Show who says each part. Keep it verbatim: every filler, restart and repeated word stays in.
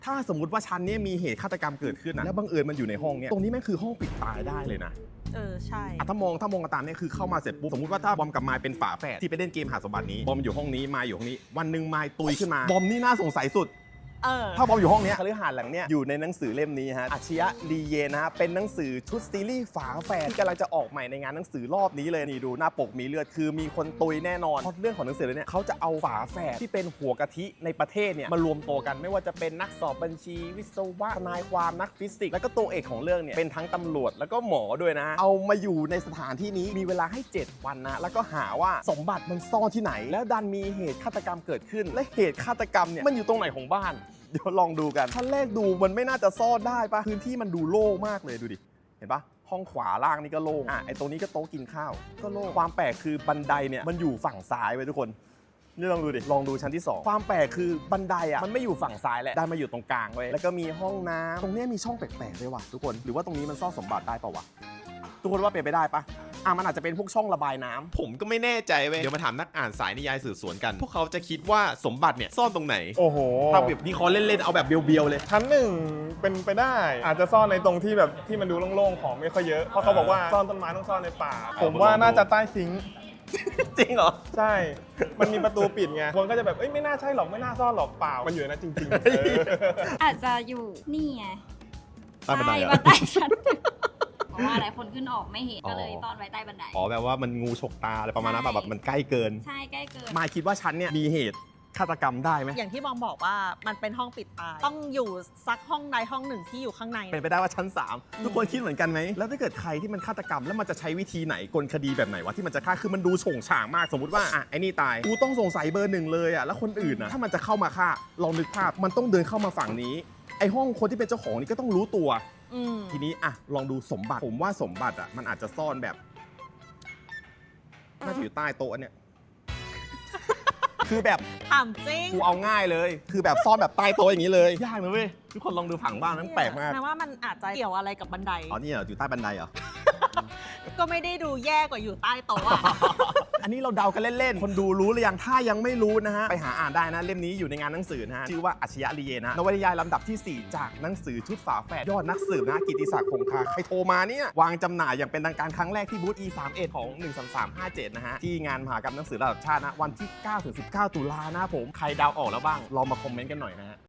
Speaker 1: ถ้าสมมติว่าชั้นนี้มีเหตุฆาตกรรมเกิดขึ้นนะแล้วบังเอิญมันอยู่ในห้องเนี้ยตรงนี้แม่งคือห้องปิดตายได้เลยนะ
Speaker 2: เออใช่
Speaker 1: ถ้ามองถ้ามองกันตามเนี่ยคือเข้ามาเสร็จปุ๊บสมมติว่าถ้าบอมกับมายเป็นฝาแฝดที่ไปเล่นเกมหาสมบัตินี้บอมอยู่ห้องนี้มายอยู่ห้องนี้วันหนึ่งมายตุยขึ้นมาบอมนี่น่าสงสัยสุด
Speaker 2: เออ
Speaker 1: ถ้าบอมอยู่ห้องนี้คฤหาสน์หลังเนี้ยอยู่ในหนังสือเล่มนี้ฮะอาชญะลีเยนะฮะเป็นหนังสือชุดซีรีส์ฝาแฝดที่กำลังจะออกใหม่ในงานหนังสือรอบนี้เลยนี่ดูหน้าปกมีเลือดคือมีคนตุยแน่นอนเพราะเรื่องของหนังสือเนี่ยเขาจะเอาฝาแฝดที่เป็นหัวกะทิในประเทศเนี่ยมารวมตัวกันไม่ว่าจะเป็นนักสอบบัญชีวิศวะทนายความนักฟิสิกส์แล้วก็ตัวเอกของเรื่องเนี่ยเป็นทั้งตำรวจแล้วก็หมอด้วยนะเอามาอยู่ในสถานที่นี้มีเวลาให้เจ็ดวันนะแล้วก็หาว่าสมบัติมันซ่อนที่ไหนแล้วดันมีเหตุฆาตกรรมเกิดขึ้นและเหตุฆาตกรรมเนี่ยมันอยู่ตรงไหนของบ้านเดี๋ยวลองดูกันชั้นแรกดูมันไม่น่าจะซ่อนได้ปะพื้นที่มันดูโล่งมากเลยดูดิเห็นปะห้องขวาล่างนี่ก็โล่งอ่ะไอตรงนี้ก็โต๊ะกินข้าวก็โล่งความแปลกคือบันไดเนี่ยมันอยู่ฝั่งซ้ายไว้ทุกคนนี่ลองดูดิลองดูชั้นที่สองความแปลกคือบันไดอ่ะมันไม่อยู่ฝั่งซ้ายแหละได้มาอยู่ตรงกลางไว้แล้วก็มีห้องน้ำตรงนี้มีช่องแปลกๆด้วยว่ะทุกคนหรือว่าตรงนี้มันซ่อนสมบัติได้ปะวะทุกคนว่าเป็นไปได้ปะอ่ะมันอาจจะเป็นพวกช่องระบายน้ำ
Speaker 3: ผมก็ไม่แน่ใจเว้ยเดี๋ยวมาถามนักอ่านสายนิยายสืบสวนกันพวกเขาจะคิดว่าสมบัติเนี่ยซ่อนตรงไหน
Speaker 4: โอ้โห
Speaker 1: ถ้าแบบนี้เขาเล่นๆเอาแบบเบียวๆเลย
Speaker 4: ชั้นหนึ่งเป็นไปได้อาจจะซ่อนในตรงที่แบบที่มันดูโล่งๆของไม่ค่อยเยอะเพราะเขาบอกว่าซ่อนต้นไม้ต้องซ่อนในป่าผมว่าน่าจะใต้ซิงค์
Speaker 1: จริงเหรอ
Speaker 4: ใช่มันมีประตูปิดไงคนก็จะแบบเอ้ยไม่น่าใช่หรอกไม่น่าซ่อนหรอกเปล่ามันอยู่ในนั้นจริงๆ
Speaker 5: อาจจะอยู่นี่ไง
Speaker 1: ใต้บันไดเหรอ
Speaker 5: บันไดชั้นเพราะว่าหลายคนขึ้นออกไม่เห็นก็เลยตอนไว้ใต้บันได
Speaker 1: อ๋อแบบว่ามันงูฉกตาอะไรประมาณนั้นแบบมันใกล้เกิน
Speaker 5: ใช่ใกล้เกิน
Speaker 1: มายคิดว่าชั้นเนี่ยมีเหตุฆาตกรรมได้ไหม
Speaker 2: อย่างที่บอมบอกว่ามันเป็นห้องปิดตายต้องอยู่ซักห้องใดห้องหนึ่งที่อยู่ข้างใน
Speaker 1: เป็นไปได้ว่าชั้นสามทุกคนคิดเหมือนกันไหมแล้วถ้าเกิดใครที่มันฆาตกรรมแล้วมันจะใช้วิธีไหนกลคดีแบบไหนวะที่มันจะฆ่าคือมันดูโฉงฉางมากสมมติว่าอ่ะไอ้นี่ตายกูต้องสงสัยเบอร์หนึ่งเลยอ่ะแล้วคนอื่นนะถ้ามันจะเข้ามาฆ่าลองนึกภาพมันต้องเดินเข้ามาฝั่งนี้ไอ้ห้องคนที่เป็นเจ้าของนี่ก็ต้องรู้ตัวทีนี้อ่ะลองดูสมบัติผมว่าสมบัติอ่ะมันอาจจะซ่อนแบบน่าจะอยู่ใต้โต๊ะเนี่ยคือแบบ
Speaker 2: ถามจริง
Speaker 1: กูเอาง่ายเลยคือแบบซ่อนแบบใต้โต๊ะอย่างนี้เลยยากนะเว้ยทุกคนลองดูผังบ้านมันแปลกมาก
Speaker 2: แปลว่ามันอาจจะเกี่ยวอะไรกับบันได
Speaker 1: อ๋อนี่เหรออยู่ใต้บันไดเหรอ
Speaker 2: ก็ไม่ได้ดูแย่กว่าอยู่ใต้โต๊ะอะ
Speaker 1: อันนี้เราเดากันเล่นๆคนดูรู้หรือยังถ้ายังไม่รู้นะฮะไปหาอ่านได้นะเล่มนี้อยู่ในงานหนังสือนะฮะชื่อว่าอาชญะลีเยนะนวนิยายลำดับที่สี่จากหนังสือชุดฝาแฝดยอดนักสืบนะกิตติศักดิ์คงคาใครโทรมาเนี่ยวางจำหน่ายอย่างเป็นทางการครั้งแรกที่บูธ อี สามสิบเอ็ด ของหนึ่ง สาม สาม ห้า เจ็ดนะฮะที่งานมหกรรมหนังสือระดับชาตินะวันที่เก้าถึงสิบเก้าตุลานะผมใครเดาออกแล้วบ้างลองมาคอมเมนต์กันหน่อยนะฮะ